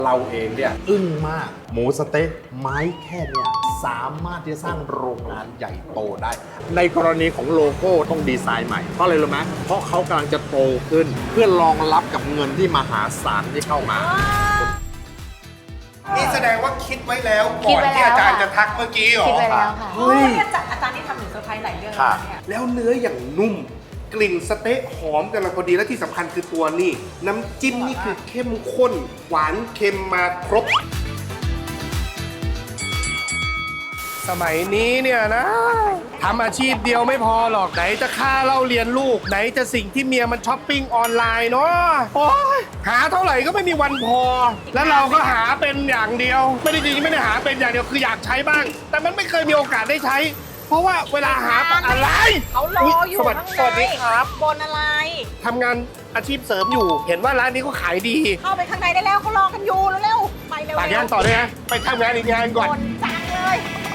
เราเองเนี่ยอึ้งมากหมูสะเต๊ะไม้แค่เนี่ยสามารถที่จะสร้างโรงงานใหญ่โตได้ ในกรณีของโลโก้ต้องดีไซน์ใหม่เพราะอะไรรู้ไหมเพราะเขากำลังจะโตขึ้นเพื่อรองรับกับเงินที่มหาศาลที่เข้ามานี่แสดงว่าคิดไว้แล้วก่อนที่อาจารย์จะทักเมื่อกี้เหรอคิดไว้แล้วค่ะเฮ้ยอาจารย์นี่ทำหนูเซอร์ไพรส์หลายเรื่องค่ะแล้วเนี่ยแล้วเนื้ออย่างนุ่ม กลิ่นสเต๊ะหอมกำลังพอดีและที่สำคัญคือตัวนี่น้ำจิ้มนี่คือเข้มข้น หวานเค็มมาครบ สมัยนี้เนี่ยนะทำอาชีพเดียวไม่พอหรอกไหนจะค่าเล่าเรียนลูก ไหนจะสิ่งที่เมียมันช้อปปิ้งออนไลน์เนาะโอ้ยหาเท่าไหร่ก็ไม่มีวันพอ แล้วเราก็หาเป็นอย่างเดียว ไม่ได้จริงๆไม่ได้หาเป็นอย่างเดียวคืออยากใช้บ้าง แต่มันไม่เคยมีโอกาสได้ใช้ เพราะว่าเวลาหาอะไรเขารออยู่สวัสข้างดีในสวัสดีครับบนอะไรทำงานอาชีพเสริมอยู่ เห็นว่าร้านนี้เขาขายดีเข้าไปข้างในได้แล้วเขารอกันอยู่เร็วๆไปเร็วๆฝากงานต่อด้วยนะไปทำงานอีกงานก่อนบนจังเลย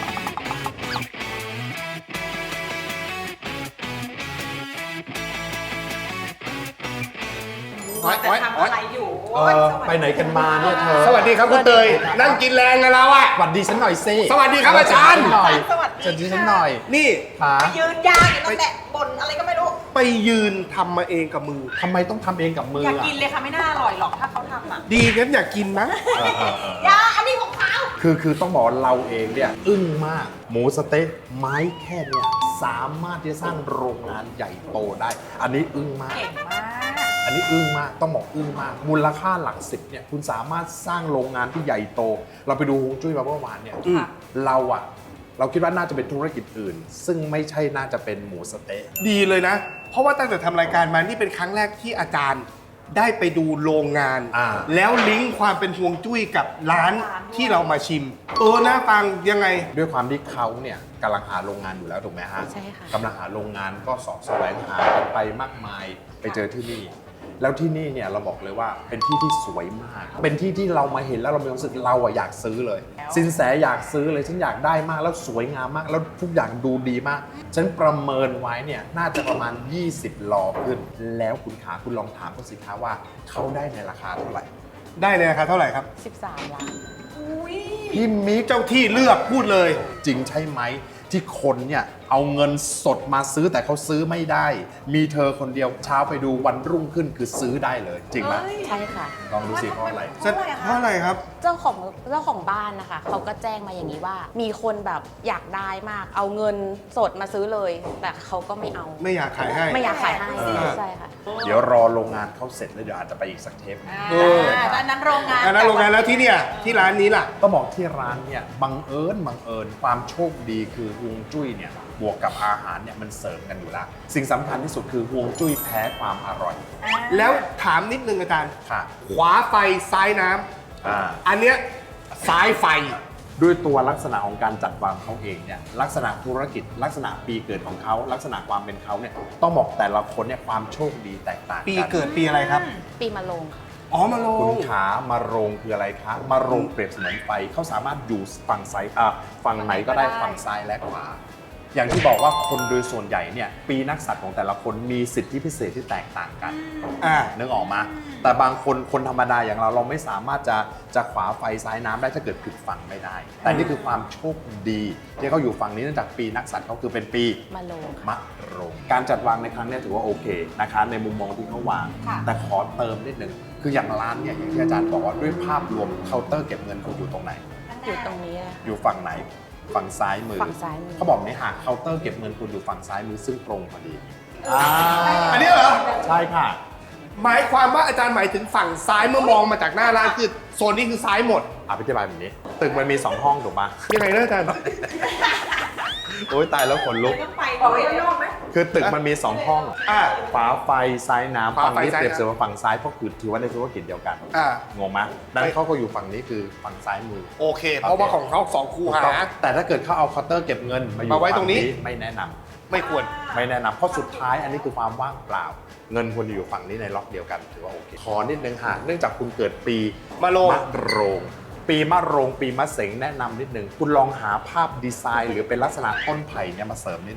จะทำอะไรอยู่โอ๊ยสวัสดีไปไหนกันมาเนี่ยเธอสวัสดีครับคุณเตยนั่งกินแรงกันแล้วอะสวัสดีฉันหน่อยสิสวัสดีครับอาจารย์หน่อยสวัสดีสวัสดีฉันหน่อยนี่ขาไปยืนยาวอยู่ตรงแหละบนอะไรก็ไม่รู้ไปยืนทำมาเองกับมือทำไมต้องทำเองกับมืออยากอ่ะกินเลยค่ะไม่น่าอร่อยหรอกถ้าเขาทำอ่ะดีงั้นอยากกินนะยาอันนี้ของเขาคือต้องบอกว่าเราเองเนี่ยอึ้งมากหมูสะเต๊ะไม้แค่เนี่ยสามารถที่จะสร้างโรงงานใหญ่โตได้ อันนี้อึ้งมากเก่งมากอันนี้อึ้งมากต้องบอกอึ้งมาก มูลค่าหลักสิบเนี่ยคุณสามารถสร้างโรงงานที่ใหญ่โต เราไปดูฮวงจุ้ยมาเมื่อวานเนี่ยอืมเราคิดว่าน่าจะเป็นธุรกิจอื่น ซึ่งไม่ใช่น่าจะเป็นหมูสะเต๊ะดีเลยนะ เพราะว่าตั้งแต่ทำรายการมานี่เป็นครั้งแรกที่อาจารย์ได้ไปดูโรงงาน แล้วลิงก์ความเป็นฮวงจุ้ยกับร้านที่เรามาชิมน่าฟังยังไงด้วยความที่เขาเนี่ยกำลังหาโรงงานอยู่แล้วถูกไหมฮะใช่ค่ะกำลังหาโรงงานก็เสอบแสวงหากันไปมากมายไปเจอที่นี่ แล้วที่นี่เนี่ยเราบอกเลยว่าเป็นที่ที่สวยมาก เป็นที่ที่เรามาเห็นแล้วเรามีความรู้สึกเราอะอยากซื้อเลย สินแสอยากซื้อเลยฉันอยากได้มากแล้วสวยงามมาก แล้วทุกอย่างดูดีมาก ฉันประเมินไว้เนี่ยน่าจะประมาณ 20 ลอขึ้น แล้วคุณขาคุณลองถามเขาสิคะว่าเขาได้ในราคาเท่าไหร่ได้ในราคาเท่าไหร่ครับ 13 ล้านอุ้ยพี่มิกเจ้าที่เลือกพูดเลยจริงใช่ไหมที่คนเนี่ยเอาเงินสดมาซื้อแต่เขาซื้อไม่ได้ มีเธอคนเดียวเช้าไปดูวันรุ่งขึ้นคือซื้อได้เลย จริงไหมใช่ค่ะลองดูสิเพราะอะไรเพราะอะไรครับเจ้าของบ้านนะคะเขาก็แจ้งมาอย่างนี้ว่า มีคนแบบอยากได้มาก เอาเงินสดมาซื้อเลย แต่เขาก็ไม่เอาไม่อยากขายให้ไม่อยากขายให้เออใช่ค่ะเดี๋ยวรอโรงงานเขาเสร็จแล้วเดี๋ยวอาจจะไปอีกสักเทปเอออันนั้นโรงงานอันนั้นโรงงานแล้วที่เนี่ยที่ร้านนี้ล่ะก็บอกที่ร้านเนี่ยบังเอิญความโชคดีคือฮวงจุ้ยเนี่ยบวกกับอาหารเนี่ยมันเสริมกันอยู่แล้วสิ่งสำคัญที่สุดคือฮวงจุ้ยแพ้ความอร่อยแล้วถามนิดนึงอาจารย์ค่ะขวาไฟซ้ายน้ำอ่าอันเนี้ยซ้ายไฟด้วยตัวลักษณะของการจัดวางเขาเองเนี่ยลักษณะธุรกิจ ลักษณะปีเกิดของเขาลักษณะความเป็นเขาเนี่ยต้องบอกแต่ละคนเนี่ยความโชคดีแตกต่างกันปีเกิดปีอะไรครับปีมะโรงค่ะอ๋อมาลคุณงขามาโรงคืออะไรคะมาโรงเปรียบเสมือนไฟเขาสามารถอยู่ฝั่งซ้ายฝั่งไหนก็ได้ฝั่งซ้ายและขวา อย่างที่บอกว่าคนโดยส่วนใหญ่เนี่ยปีนักสัตว์ของแต่ละคนมีสิทธิพิเศษที่แตกต่างกัน นึกออกมา แต่บางคนธรรมดาอย่างเราไม่สามารถจะขวาไฟซ้ายน้ำได้ถ้าเกิดผิดฝั่งไม่ได้ แต่นี่คือความโชคดีที่เขาอยู่ฝั่งนี้เนื่องจากปีนักสัตว์เขาคือเป็นปีมะโรงค่ะมะโรง การจัดวางในครั้งเนี้ถือว่าโอเคนะคะในมุมมองที่เขาวาง แต่ขอเติมนิดนึงคืออย่างร้านเนี่ยอย่างที่อาจารย์บอกว่าด้วยภาพรวมเคาน์เตอร์เก็บเงินเขาอยู่ตรงไหนอยู่ตรงนี้เลยค่ะอยู่ฝั่งไหนฝั่งซ้ายมือฝั่งซ้ายมือเขาบอกนี่หากเคาน์เตอร์เก็บเงินคุณอยู่ฝั่งซ้ายมือซึ่งตรงพอดีอันนี้เหรอใช่ค่ะหมายความว่าอาจารย์หมายถึงฝั่งซ้ายเมื่อมองมาจากหน้าร้านคือโซนนี้คือซ้ายหมดอธิบายแบบนี้ ตึกมันมี 2 ห้องถูกปะยังไงนะอาจารย์โอ้ยตายแล้วขนลุกต้องไปบอกไว้นอกไหมคือตึกมันมี 2 ห้องอ่าฝาไฟซ้ายน้ำฝาฝั่งไฟนี้ซ้ายเปรียบน้ำเสมือนฝั่งซ้ายเพราะคือถือว่าในธุรกิจเดียวกันอ่างงไหมดังนั้นเขาก็อยู่ฝั่งนี้คือฝั่งซ้ายมือโอเค เพราะว่าของเขาสองคูหาแต่ถ้าเกิดเขาเอาเคาน์เตอร์เก็บเงินมาอยู่มาไว้ตรงนี้ฝั่ไม่แนะนำไม่ควรไม่แนะนำเพราะสุดท้ายอันนี้คือความว่างเปล่า เงินควรจะอยู่ฝั่งนี้ในล็อกเดียวกันถือว่าโอเค ขอนิดนึงค่ะเนื่องจากคุณเกิดปีมะโรงมะโรง ปีมะโรงปีมะเสงแนะนำนิดนึงคุณลองหาภาพดีไซน์ หรือเป็นลักษณะต้นไผ่เนี่ยมาเสริมนิดนึง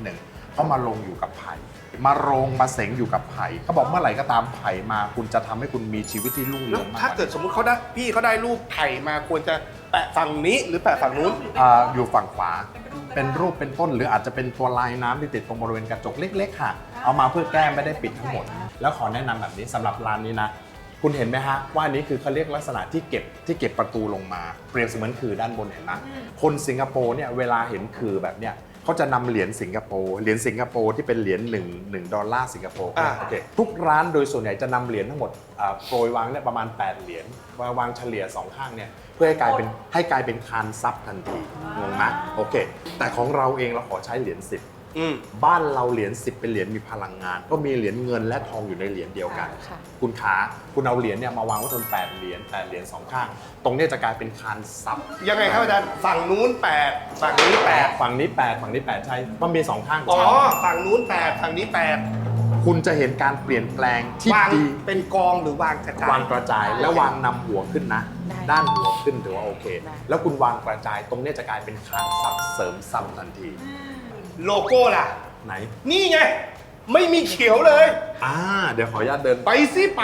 เขามาลงอยู่กับไผ่มาโรงมาเสงอยู่กับไผ่เขาบอกเมื่อไหร่ก็ตามไผ่มาคุณจะทำให้คุณมีชีวิตที่รุ่งแล้เรืวองมากถ้าเกิดสมมุติเขาได้พี่เขาได้รูปไผ่มาควรจะแปะฝั่งนี้หรือแปะฝั่งนู้นอยู่ฝั่งขวาเป็นรูปเป็นต้นหรืออาจจะเป็นตัวลายน้ำที่ติดตรงบริเวณกระจกเล็กๆค่ะเอามาเพื่อแก้ไม่ได้ปิดทั้งหมด แล้วขอแนะนำแบบนี้สำหรับร้านนี้นะคุณเห็นไหมฮะว่าอันนี้คือเขาเรียกลักษณะที่เก็บประตูลงมาเปรียบเสมือนคือด้านบนเห็นไหมคนสิงคโปร์เนี่ยเวลาเห็นคือแบบเนี้ยเขาจะนำเหรียญสิงคโปร์ที่เป็นเหรียญ1 ดอลลาร์สิงคโปร์โอเคทุกร้านโดยส่วนใหญ่จะนำเหรียญทั้งหมดโปรยวางเนี่ยประมาณ8 เหรียญวางเฉลี่ย2ข้างเนี่ยเพื่อให้กลายเป็นคานซับทันทีงงไหมโอเคแต่ของเราเองเราขอใช้เหรียญ10บ้านเราเหรียญ10เป็นเหรียญมีพลังงานก็มีเหรียญเงินและทองอยู่ในเหรียญเดียวกันค่ะคุณขาคุณเอาเหรียญเนี่ยมาวางไว้บน8 เหรียญ2 ข้างตรงเนี้ยจะกลายเป็นคานซับยังไงครับอาจารย์ฝั่งนู้น8ฝั่งนี้8 ฝั่งนี้8ฝั่งนี้8ใช่มันมี2ข้างอ๋อใช่ฝั่งนู้น8ฝั่งนี้8 คุณจะเห็นการเปลี่ยนแปลงที่วางดีเป็นกองหรือวางกระจายวางกระจายและวางนำหัวขึ้นนะได้ด้านหัวขึ้นถือว่าโอเคได้แล้วคุณวางกระจายตรงเนี้ยจะกลายเป็นคานซับเสริมซับทันทีโลโก้ล่ะไหนนี่ไงไม่มีเขียวเลยเดี๋ยวขออนุญาตเดินไปสิไป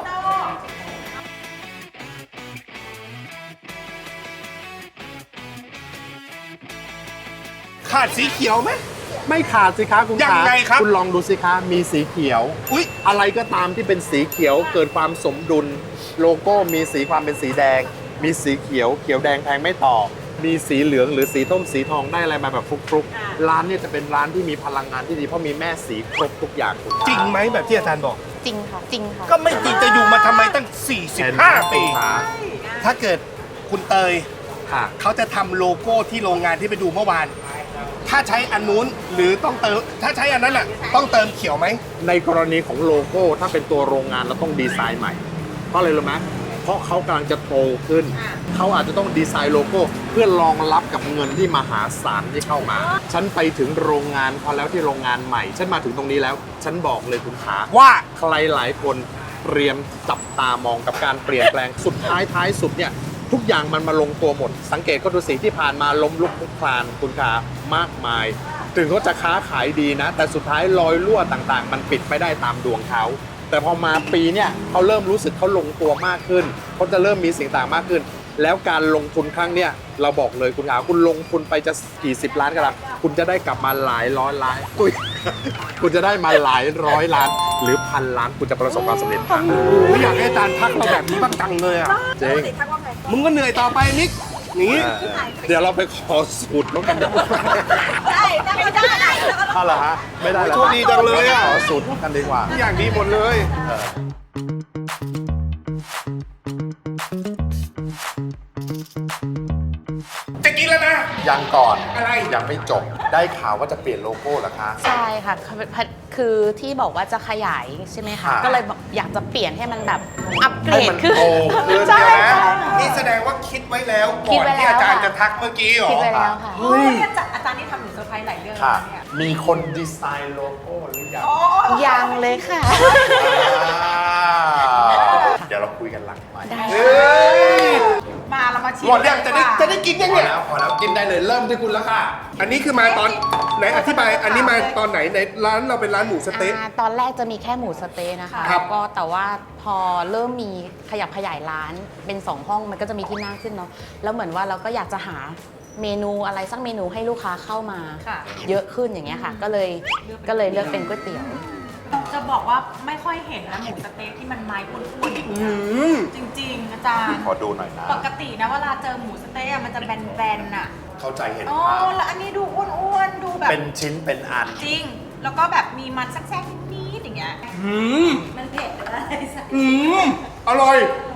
ขาดสีเขียวไหมไม่ขาดสิคะคุณยังไงครับคุณลองดูสิคะมีสีเขียวอุ๊ยอะไรก็ตามที่เป็นสีเขียวเกิดความสมดุล โลโก้มีสีความเป็นสีแดง มีสีเขียวแดงแทงไม่ต่อ มีสีเหลืองหรือสีส้มสีทองได้อะไรมาแบบฟลุกๆร้านเนี่ยจะเป็นร้านที่มีพลังงานที่ดีเพราะมีแม่สีครบทุกอย่างคุณจริงไหมแบบที่อาจารย์บอกจริงค่ะจริงค่ะก็ไม่จริงจะอยู่มาทำไมตั้ง 45 ปีขาถ้าเกิดคุณเตยค่ะเขาจะทำโลโก้ที่โรงงานที่ไปดูเมื่อวาน ถ้าใช้อันนู้นหรือต้องเติม ถ้าใช้อันนั้นอ่ะต้องเติมเขียวไหมในกรณีของโลโก้ถ้าเป็นตัวโรงงานเราต้องดีไซน์ใหม่ เพราะอะไรรู้ไหมเพราะเขากำลังจะโตขึ้น เขาอาจจะต้องดีไซน์โลโก้เพื่อรองรับกับเงินที่มหาศาลที่เข้ามา ฉันไปถึงโรงงานพอแล้วที่โรงงานใหม่ ฉันมาถึงตรงนี้แล้ว ฉันบอกเลยคุณขาว่าใครหลายคนเตรียมจับตามองกับการเปลี่ยนแปลง สุดท้ายสุดเนี่ยทุกอย่างมันมาลงตัวหมด สังเกตก็ดูสิที่ผ่านมาล้มลุกคลุกคลานคุณขามากมาย ถึงเขาจะค้าขายดีนะ แต่สุดท้ายรอยรั่วต่างๆ มันปิดไม่ได้ตามดวงเขา แต่พอมาปีเนี่ยเขาเริ่มรู้สึกเขาลงตัวมากขึ้นเขาจะเริ่มมีสิ่งต่างมากขึ้น แล้วการลงทุนครั้งเนี้ยเราบอกเลยคุณขาคุณลงทุนไปจะกี่สิบล้านก็แล้วคุณจะได้กลับมาหลายร้อยล้านอุ๊ย คุณจะได้มาหลายร้อยล้าน หรือพันล้านคุณจะประสบความสำเร็จครับไม่อยากให้อาจารย์ทักเราแบบนี้บ้างจังเลยอ่ะจริงทักว่าไงมึงก็เหนื่อยต่อไปนิกอย่างนี้เดี๋ยวเราไปขอสูตรแล้วกันดีกว่าได้แล้วก็ได้แล้วก็เอาเหรอฮะไม่ได้เหรอโชคดีจังเลยอะขอสูตรกันดีกว่าทุกอย่างดีหมดเลย จะกินแล้วนะยังก่อนอะไรยังไม่จบได้ข่าวว่าจะเปลี่ยนโลโก้เหรอคะใช่ค่ะคือที่บอกว่าจะขยายใช่ไหมคะค่ะก็เลยบอกอยากจะเปลี่ยนให้มันแบบอัปเกรให้ดมันขึ้นโตขึ้นใช่เดี๋ยวนะค่ะนี่แสดงว่าคิดไว้แล้วคิก่ดอนไว้ที่แล้วอาจารย์ค่ะจะทักเมื่อกี้เหรอคิดไว้แล้วค่ะเฮ้ยอาจารย์นี่ทำหนูเซอร์ไพรส์หลายเรื่องค่ะเนี่ยมีคนดีไซน์โลโก้หรือยังยังเลยค่ะเดี๋ยวเราคุยกันหลังไมค์ได้เฮ้ยมาเรามาชิมหมดยังจะได้กินยังพอเนี่ยแล้วพอแล้วกินได้เลยเริ่มที่คุณแล้วค่ะอันนี้คือมาตอนไหนอธิบายอันนี้มาตอนไหนในร้านเราเป็นร้านหมูสเต๊ะตอนแรกจะมีแค่หมูสะเต๊ะนะคะครับก็แต่ว่าพอเริ่มมีขยับขยายร้านเป็น 2 ห้องมันก็จะมีที่นั่งขึ้นเนาะแล้วเหมือนว่าเราก็อยากจะหาเมนูอะไรสักเมนูให้ลูกค้าเข้ามาค่ะเยอะขึ้นอย่างเงี้ยค่ะ ก็เลยเลือกเป็นก๋วยเตี๋ยวจะบอกว่าไม่ค่อยเห็นนะหมูสเต๊กที่มันไม้อ้วนๆอย่างเงี้ยจริงๆ อาจารย์ขอดูหน่อยนะปกตินะเวลาเจอหมูสเต๊กอะมันจะแบนๆน่ะเข้าใจเห็นอ๋อภาพแล้วอันนี้ดูอ้วนๆ ดูแบบเป็นชิ้นเป็นอันจริง แล้วก็แบบมีมันแทรกๆนิดๆอย่างเงี้ย มันเผ็ดหรืออะไรสักอร่อย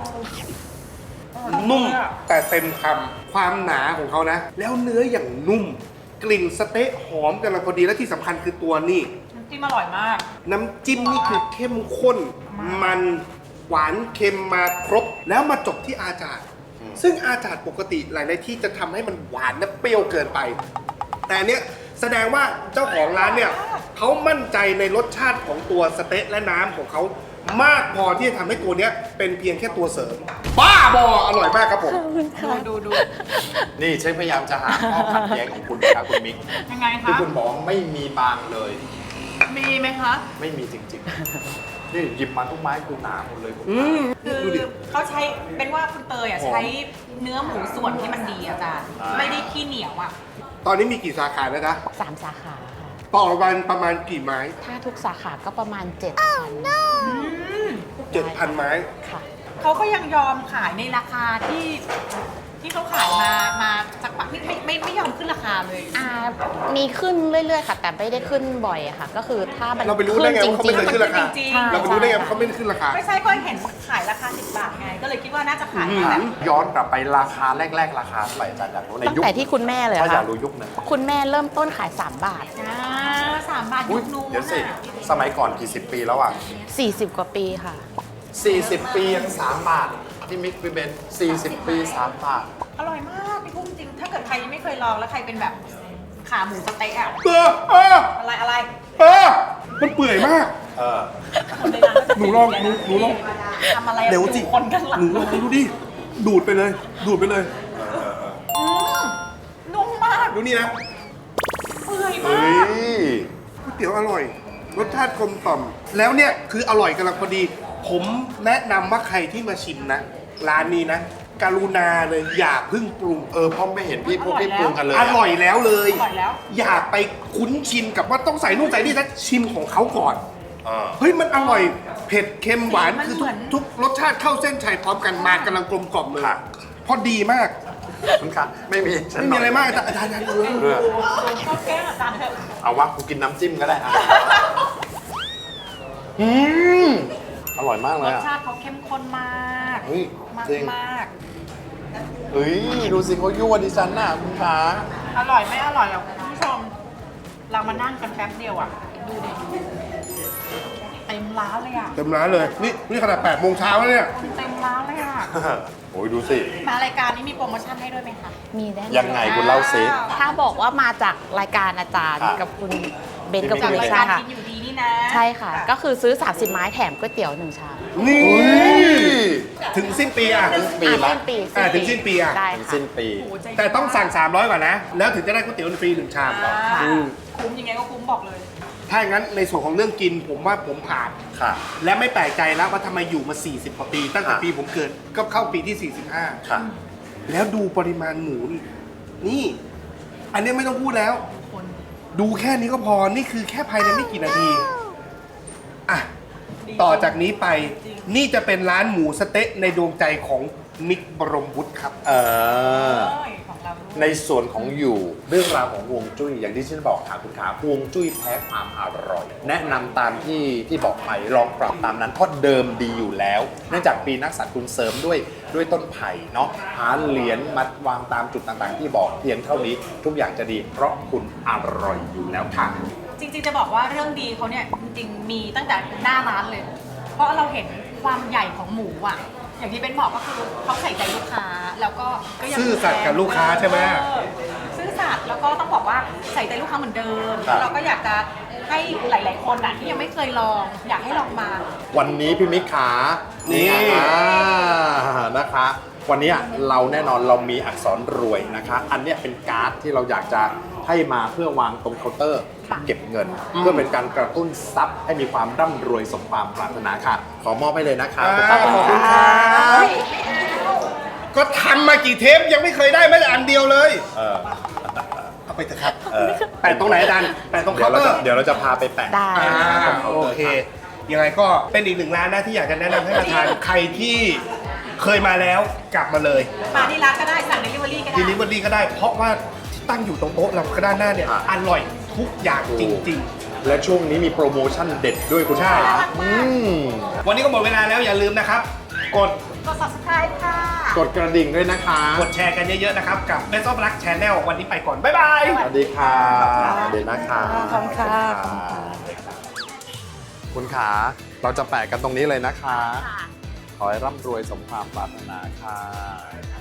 นุ่มแต่เต็มคำความหนาของเขานะ แล้วเนื้ออย่างนุ่ม กลิ่นสเต๊ะหอมกำลังพอดีและที่สำคัญคือตัวนี่น้ำจิ้มอร่อยมากน้ำจิ้มนี่คือเข้มข้น มันหวานเค็มมาครบ แล้วมาจบที่อาจารย์ซึ่งอาจารย์ปกติหลายๆที่จะทำให้มันหวานและเปรี้ยวเกินไป แต่อันเนี้ยแสดงว่าเจ้าของร้านเนี่ยเขามั่นใจในรสชาติของตัวสเต๊ะและน้ำของเขามากพอที่จะทำให้ตัวเนี้ยเป็นเพียงแค่ตัวเสริม บ้าบออร่อยมากครับผมดูนี่เชฟพยายามจะหาข้อขัดแย้งของคุณนะครับคุณมิกยังไงคะที่คุณบอกไม่มีบางเลยมีไหมคะไม่มีจริงๆ นี่หยิบมาทุกไม้คือหนาหมดเลยผมคือเขาใช้เป็นว่าคุณเตยอ่ะใช้เนื้อหมูส่วนที่มันดีอาจารย์ ไม่ได้ขี้เหนียวอ่ะตอนนี้มีกี่สาขาแล้วนะ 3 สาขาค่ะต่อวันประมาณกี่ไม้ถ้าทุกสาขาก็ประมาณ 7,000 ไม้ค่ะเขาก็ยังยอมขายในราคาที่เขาขายมาสักพักไม่ยอมขึ้นราคาเลยมีขึ้นเรื่อยๆค่ะ แต่ไม่ได้ขึ้นบ่อยอะค่ะ ก็คือถ้ามันเราไปรู้ได้ไงว่าเขาไม่เคยขึ้นราคาจริงใช่เราไปรู้ได้ไงว่าเขาไม่ได้ขึ้นราคาไม่ใช่ก็เห็นขายราคา10 บาทไง ก็เลยคิดว่าน่าจะขายมาแบบย้อนกลับไปราคาแรกๆราคาเท่าไหร่อาจารย์อยากรู้ในตั้งยุคแต่ที่คุณแม่เลยถ้าอยาค่ะกรู้ยุคนั้นคุณแม่เริ่มต้นขาย 3 บาท 3 บาทอุ๊ยุยคนู้นเดี๋ยวสิน่ะสมัยก่อนกี่สิบปีแล้วอ่ะ 40 กว่าปีค่ะ 40 ปียัง3 บาทที่มิกพี่เบน40 ปี 3 บาทอร่อยมากพี่พุ่มจริง ถ้าเกิดใครยังไม่เคยลองแล้วใครเป็นแบบขาหมูสะเต๊ะอะ อะไรมันเปื่อยมากเออคนในร้านก็จะหนูลองทำอะไรเดี๋ยวสิคนข้างหลังหนูลองดูดิ ดูดไปเลย ดูดไปเลยนุ่มมากดูนี่นะเปื่อยเฮ้มากยก๋วยเตี๋ยวอร่อย รสชาติกลมกล่อม แล้วเนี่ยคืออร่อยกำลังพอดี ผมแนะนำว่าใครที่มาชิมนะ ร้านนี้นะ กรุณาเลยอย่าเพึ่งปรุงเพราะไม่เห็นพี่พวกพี่ปรุงกันเลยอร่อยแล้วเลยอร่อยแล้วอย่าไปคุ้นชินกับว่าต้องใส่นู่นใส่นี่นะชิมของเขาก่อนเออเฮ้ยมันอร่อย เผ็ดเค็มหวานมันคือเหมือนทุกรสชาติเข้าเส้นชัยพร้อมกันมากำลังกลมกล่อมเลย พอดีมากคุณคะไม่มีฉันไม่มีอะไรมากอาจารย์ดูเรื่องชอบแกล้งอาจารย์เถอะเอาวะกูกินน้ำจิ้มก็ได้อะอร่อยมากเลรยสอ่ะชาติเขาเข้มข้นมากเฮ้ยมากจริงมากเฮ้ย ดูสิเขายั่วดิฉันน่ะคุณขาอร่อยไม่อร่อยหรอกคุณผู้ชม เรามานั่งกันแป๊บเดียวอ่ะ ดูดิเต็มร้านเลยอ่ะเต็มร้านเลย นี่ขนาด8 โมงเช้าแล้วเนี่ยคนเต็มร้านเลยอ่ะโอ้ยดูสิมารายการนี้มีโปรโมชั่นให้ด้วยไหมคะมีได้ยังไงคุณเล่าซิถ้าบอกว่ามาจากรายการอาจารย์ค่ะกับคุณเบนกับจาคุกณรายใช่การค่ะกินอยู่ดีนี่นะใช่ค่ะ ก็คือซื้อ 30 ไม้แถมก๋วยเตี๋ยว 1 ชามนี่อุ้ยถึงสิ้นปีอ่ะปีละสิ้นปีถึงสิ้นปีอะได้ถึงค่ะสิ้นปีโอ้โหใจดีแต่ต้องสั่ง 300 ก่อนนะ แล้วถึงจะได้ก๋วยเตี๋ยวฟรี1 ชามอ่าอืมคุ้มยังไงก็คุ้มบอกเลยถ้าอย่างนั้นในส่วนของเรื่องกินผมว่าผมผ่านค่ะและไม่แปลกใจแล้วว่าทำไมอยู่มา 40 กว่าปี ตั้งแต่ค่ะปีผมเกิดก็เข้าปีที่ค่ะ 45 แล้วดูปริมาณหมูนี่ อันนี้ไม่ต้องพูดแล้วคนดูแค่นี้ก็พอ นี่คือแค่ภายในไม่กี่นาที อ่ะ ต่อจากนี้ไป นี่จะเป็นร้านหมูสะเต๊ะในดวงใจของมิกบรมวุฒิครับเออเอ้ยของเราด้วยในส่วนของอยู่เรื่องราวของฮวงจุ้ยอย่างที่ฉันบอกค่ะคุณขาฮวงจุ้ยแพ้ความอร่อย แนะนำตามที่บอกไปลองปรับตามนั้นเพราะเดิมดีอยู่แล้ว เนื่องจากปีนักษัตริย์คุณเสริมด้วยต้นไผ่เนาะหาเหรียญมาวางตามจุดต่างๆ ที่บอกเพียงเท่านี้ทุกอย่างจะดีเพราะคุณอร่อยอยู่แล้วค่ะจริงๆจะบอกว่าเรื่องดีเขาเนี่ยจริงๆมีตั้งแต่หน้าร้านเลย เพราะเราเห็นความใหญ่ของหมูอ่ะ อย่างที่เป็นบอกก็คือเขาใส่ใจลูกค้าแล้วก็ยังซื่อสัตย์กับลูกค้าใช่ไหมซื่อสัตย์แล้วก็ต้องบอกว่าใส่ใจลูกค้าเหมือนเดิมครับเราก็อยากจะให้หลายๆคนอ่ะที่ยังไม่เคยลอง อยากให้ลองมาวันนี้พี่มิกขานี่นะคะ วันนี้เราแน่นอนเรามีอักษรรวยนะคะ อันเนี้ยเป็นการ์ดที่เราอยากจะให้มาเพื่อวางตรงเคาน์เตอร์ค่ะเก็บเงิน เพื่อเป็นการกระตุ้นทรัพย์ให้มีความร่ำรวยสมความปรารถนาค่ะ ขอมอบให้เลยนะคะขอบคุณครับ ก็ทำมากี่เทปยังไม่เคยได้แม้แต่อันเดียวเลยเออเอาไปเถอะครับเออแปะตรงไหนอาจารย์แปะตรงเคาน์เตอร์เดี๋ยวเราจะพาไปแปะได้ตรงเคาน์โอเตอร์เค ยังไงก็เป็นอีกหนึ่งร้านนะที่อยากจะแนะนำให้มาทานใครที่เคยมาแล้วกลับมาเลยมาที่ร้านก็ได้สั่ง delivery ก็ได้ Delivery ก็ได้ เพราะว่าที่ตั้งอยู่ตรงโต๊ะเราก็ด้านหน้าเนี่ยอร่อยทุกอย่างจริงและช่วงนี้มีโปรโมชั่นเด็ดด้วยคุณใช่ขาอืมๆ วันนี้ก็หมดเวลาแล้วอย่าลืมนะครับ กดกด subscribe ค่ะกดกระดิ่งด้วยนะคะกดแชร์กันเยอะๆนะครับ กับ Best of Luck Channel วันนี้ไปก่อน บ๊ายบายสวัสดีค่ะเดี๋ยวนะคะขอบคุณค่ะคุณขา เราจะแปะกันตรงนี้เลยนะคะ ขอให้ร่ำรวยสมความปรารถนาค่ะ